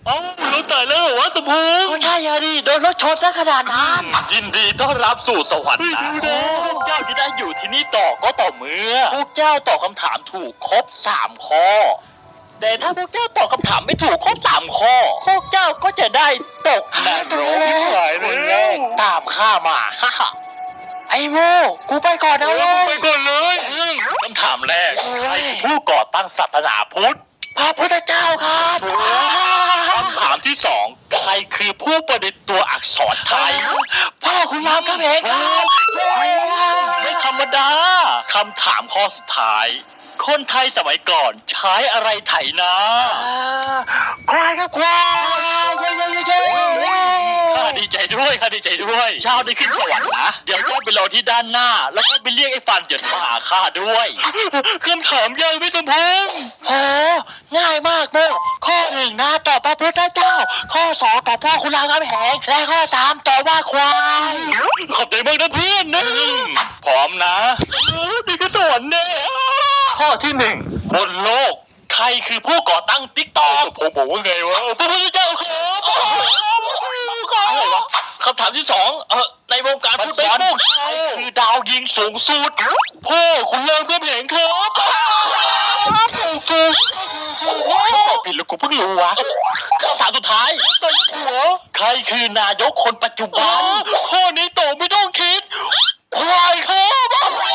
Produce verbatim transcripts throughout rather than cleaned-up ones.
เอ้าเราตายแล้วเหรอวะสมพงษ์ก็ใช่อะดิโดนรถชนซะขนาดนั้นยินดีต้อนรับสู่สวรรค์นะพวกเจ้าจะได้อยู่ที่นี่ต่อก็ต่อเมื่อพวกเจ้าตอบคำถามถูกครบสามข้อแต่ถ้าพวกเจ้าตอบคำถามไม่ถูกครบสามข้อพวกเจ้าก็จะได้ตกนรกคนแรกตามข้ามาฮ่าฮ่าไอ้โมกูไปก่อนนะเว้ยไปก่อนเลยคำถามแรกใครคือผู้ก่อตั้งศาสนาพุทธพระพุทธเจ้าครับคำถามที่สองใครคือผู้ประดิษฐ์ตัวอักษรไทยพ่อคุณรามคำแหงครับไม่ธรรมดาคำถามข้อสุดท้าย คนไทยสมัยก่อนใช้อะไรไถนาควายครับควายเย้เย้เย้เย้ข้าดีใจด้วยข้าดีใจด้วยเช้าได้ขึ้นสวรรค์นะเดี๋ยวเจ้าไปรอที่ด้านหน้า แล้วก็ไปเรียกไอ้ฟันเหยินมาหาข้าด้วยคำถามยากไม่สมพงษ์โหง่ายมากโมข้อหนึ่งนะตอบพระพุทธเจ้า ข้อสองตอบพ่อคุณรามคำแหงและข้อสามตอบว่าควายขอบใจมากนะเพื่อนนะพร้อมนะเออดีขึ้นสวรรค์แน่ข้อที่หนึ่งบนโลก ใครคือผู้ก่อตั้งติ๊กต็อกผมบอกว่าไงวะพระพุทธเจ้าครับอะไรวะคำถามที่สองเออในวงการฟุตบอลใครคือดาวยิงสูงสุดพ่อคุณเลิศเพื่อนเห็นครับถูกตอบผิดแล้วกูเพิ่งรู้วะคำถามสุดท้ายใครคือนายกคนปัจจุบันข้อนี้ตอบไม่ต้องคิดควายครับ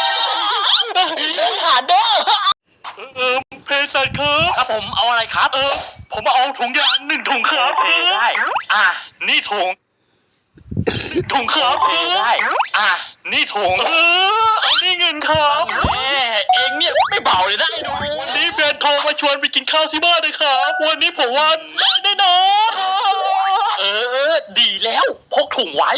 ผ่านเด้อเออเพสัชครับครับผมเอาอะไรครับเออผมเอาถุงยางหนึ่งถุงครับเออได้อ่ะนี่ถุงถุงครับเออได้อ่ะนี่ถุงเออเอานี่เงินครับแหมเองเนี่ยไม่เบาเลยนะไอ้หนูวันนี้แฟนโทรมาชวนไปกินข้าวที่บ้านเลยครับวันนี้ผมว่าได้แน่นอนเออเออดีแล้วพกถุงไว้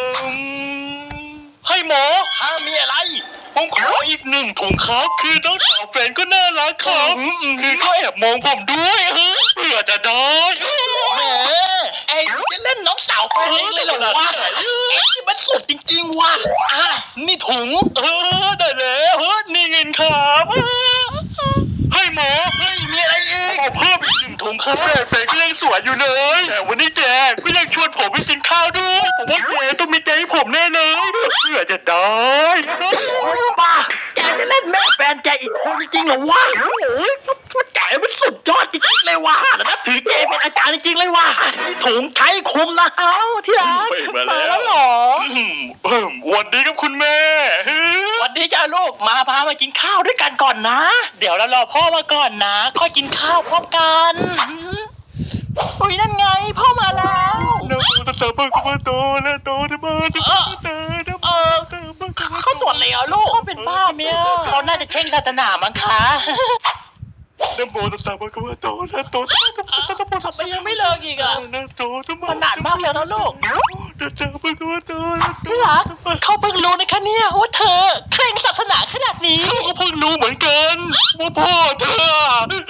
ให้หมอห้ามีอะไรผมขออีกหนึ่งถุงครับคือน้องสาวแฟนก็น่ารักครับคือเขาแอบมองผมด้วยเฮ้ยเผื่อจะได้แหมไอ้จะเล่นน้องสาวแฟนเองเลยเหรอวะไอ้นี่มันสุดจริงๆว่ะอ่ะนี่ถุงเออได้แล้วเฮ้ยนี่เงินครับให้หมอเฮ้ยมีอะไรอีกเพิ่มอีกหนึ่งถุงครับแฟนก็ยังสวยอยู่เลยแต่วันนี้แกก็ยังชวนผมไปกินข้าวด้วยผมว่าแกต้องมีใจให้ผมแน่เลยเผื่อจะได้ป้าแกจะเล่นแม่แฟนแกอีกคนจริงๆเหรอวะโอ้ยแกมันสุดยอดจริงๆเลยว่ะนับถือแกเป็นอาจารย์จริงๆเลยว่ะถุงใช้คุมนะเอ้าที่รักมาแล้วเหรอวันดีครับคุณแม่วันนี้จ้าลูกมาพามากินข้าวด้วยกันก่อนนะ เดี๋ยวเรารอพ่อมาก่อนนะค่อยกินข้าวพร้อมกันอุ้ยนั่นไงพ่อมาแล้วนะโมตัสสะภะคะวะโตอะระหะโตสัมมาสัมพุทธัสสะนะโมเออเขาสวดเลยเหรอลูกเขาเป็นบ้าเมียเขาน่าจะเช่งศาสนามั้งคะนะโมตัสสะภะคะวะโตอะระหะโตสัมมาสัมพุทธัสสะทำไมยังไม่เลิกอีกอ่ะนะโตสัมมามันนานมากแล้วนะลูกตัสสะภะคะวะโตอะระหะโตที่รักเขาเพิ่งรู้นะคะเนี่ยว่าเธอเคร่งศาสนาขนาดนี้เขาก็เพิ่งรู้เหมือนกันว่าพ่อเธอ